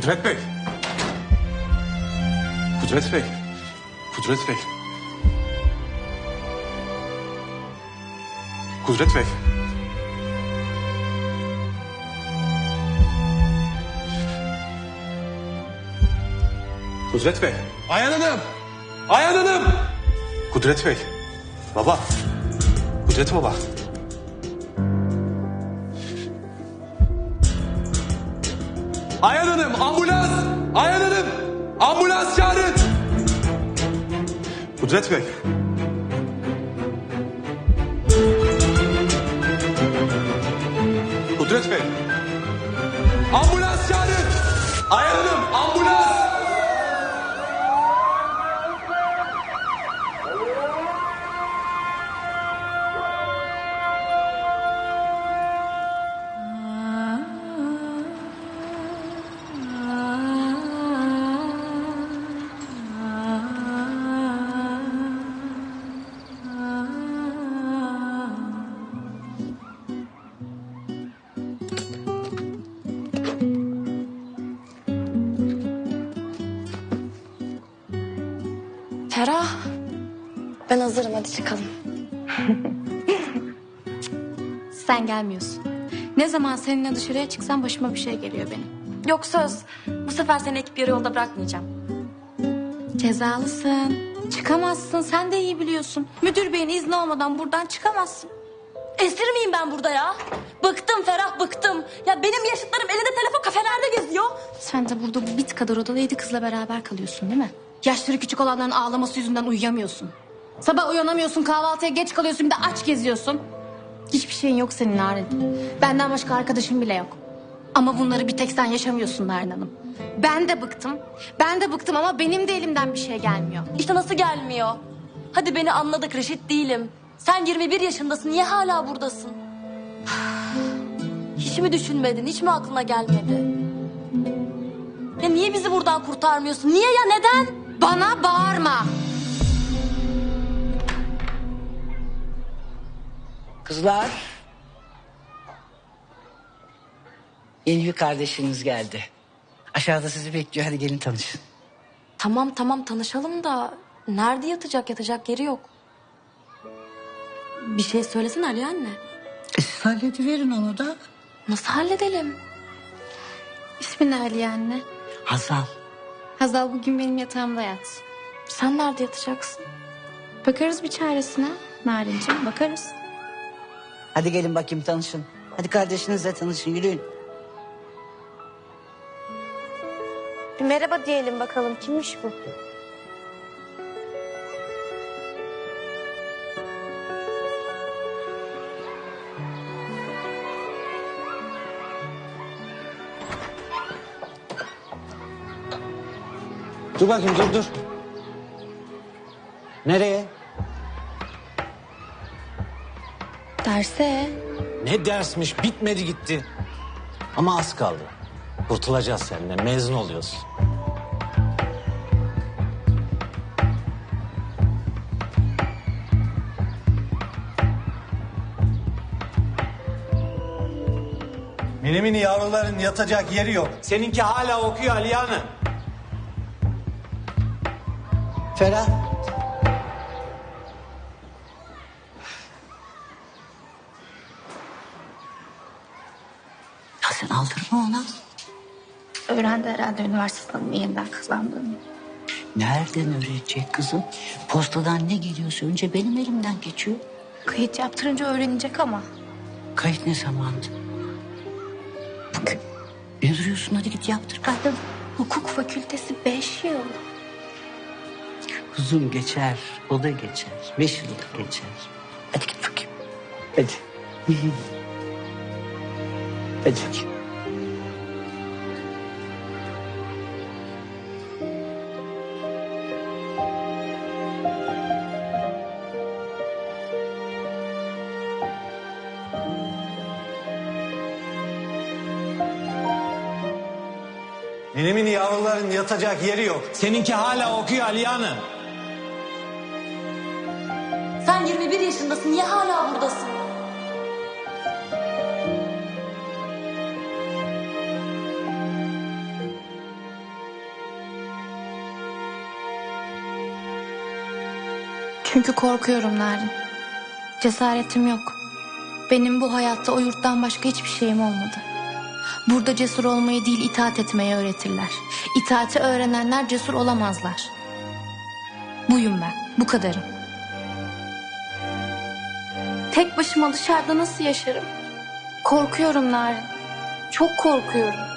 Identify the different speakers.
Speaker 1: Kudret Bey. Kudret Bey. Kudret Bey. Kudret Bey. Kudret Bey.
Speaker 2: Ayhan Hanım! Ayhan Hanım!
Speaker 1: Kudret Bey. Baba. Kudret baba.
Speaker 2: Ayhan Hanım! Ambulans! Ayhan Hanım! Ambulans çağırın!
Speaker 1: Kudret Bey. Kudret Bey.
Speaker 2: Ambulans çağırın! Ayhan Hanım! Ambulans!
Speaker 3: Ferah, ben hazırım, hadi çıkalım.
Speaker 4: Sen gelmiyorsun. Ne zaman seninle dışarıya çıksam başıma bir şey geliyor benim.
Speaker 3: Yok söz, bu sefer seni ekip yarı yolda bırakmayacağım.
Speaker 4: Cezalısın. Çıkamazsın, sen de iyi biliyorsun. Müdür beyin izni olmadan buradan çıkamazsın.
Speaker 3: Esir miyim ben burada ya? Bıktım Ferah, bıktım. Ya benim yaşıtlarım elinde telefon kafelerde geziyor.
Speaker 4: Sen de burada bu bit kadar odada 7 kızla beraber kalıyorsun değil mi? Yaşları küçük olanların ağlaması yüzünden uyuyamıyorsun. Sabah uyanamıyorsun, kahvaltıya geç kalıyorsun, bir de aç geziyorsun. Hiçbir şeyin yok senin Narin. Benden başka arkadaşın bile yok. Ama bunları bir tek sen yaşamıyorsun Narin Hanım. Ben de bıktım. Ben de bıktım ama benim de elimden bir şey gelmiyor.
Speaker 3: İşte nasıl gelmiyor? Hadi beni anladık, reşit değilim. Sen 21 yaşındasın, niye hala buradasın? Hiç mi düşünmedin, hiç mi aklına gelmedi? Ya niye bizi buradan kurtarmıyorsun? Niye ya, neden?
Speaker 4: Bana bağırma.
Speaker 5: Kızlar. Yeni bir kardeşiniz geldi. Aşağıda sizi bekliyor. Hadi gelin tanışın.
Speaker 3: Tamam tamam tanışalım da nerede yatacak yeri yok. Bir şey söylesin Ali anne.
Speaker 5: Siz hallediverin onu da.
Speaker 3: Nasıl halledelim?
Speaker 4: İsmin ne Aliye anne?
Speaker 5: Hazal.
Speaker 4: Hazal bugün benim yatağımda yat.
Speaker 3: Sen nerede yatacaksın?
Speaker 4: Bakarız bir çaresine Narinciğim, bakarız.
Speaker 5: Hadi gelin bakayım tanışın. Hadi kardeşinizle tanışın, yürüyün.
Speaker 3: Bir merhaba diyelim bakalım, kimmiş bu?
Speaker 6: Dur bakayım, dur. Nereye?
Speaker 4: Derse?
Speaker 6: Ne dersmiş, bitmedi gitti. Ama az kaldı. Kurtulacağız seninle, mezun oluyoruz.
Speaker 7: Mini yavruların yatacak yeri yok.
Speaker 6: Seninki hala okuyor Aliye Hanım.
Speaker 5: Ferah. Ya sen aldırma ona.
Speaker 4: Öğrendi herhalde üniversite sınavını yeniden kazandığını.
Speaker 5: Nereden öğrenecek kızım? Postadan ne geliyorsa önce benim elimden geçiyor.
Speaker 4: Kayıt yaptırınca öğrenecek ama.
Speaker 5: Kayıt ne zamandı? Bugün. Ne duruyorsun? Hadi git yaptır kaydı.
Speaker 4: Hukuk fakültesi 5 yıl.
Speaker 5: Kuzum geçer, o da geçer. 5 yıl da geçer. Hadi git bakayım. Hadi. Hadi bakayım.
Speaker 7: Mini yavruların yatacak yeri yok.
Speaker 6: Seninki hala okuyor Aliye Hanım.
Speaker 3: Sen 21 yaşındasın, niye hala buradasın?
Speaker 4: Çünkü korkuyorum Narin. Cesaretim yok. Benim bu hayatta o yurttan başka hiçbir şeyim olmadı. Burada cesur olmayı değil itaat etmeyi öğretirler. İtaati öğrenenler cesur olamazlar. Buyum ben, bu kadarım. Tek başıma dışarıda nasıl yaşarım? Korkuyorum Narin. Çok korkuyorum.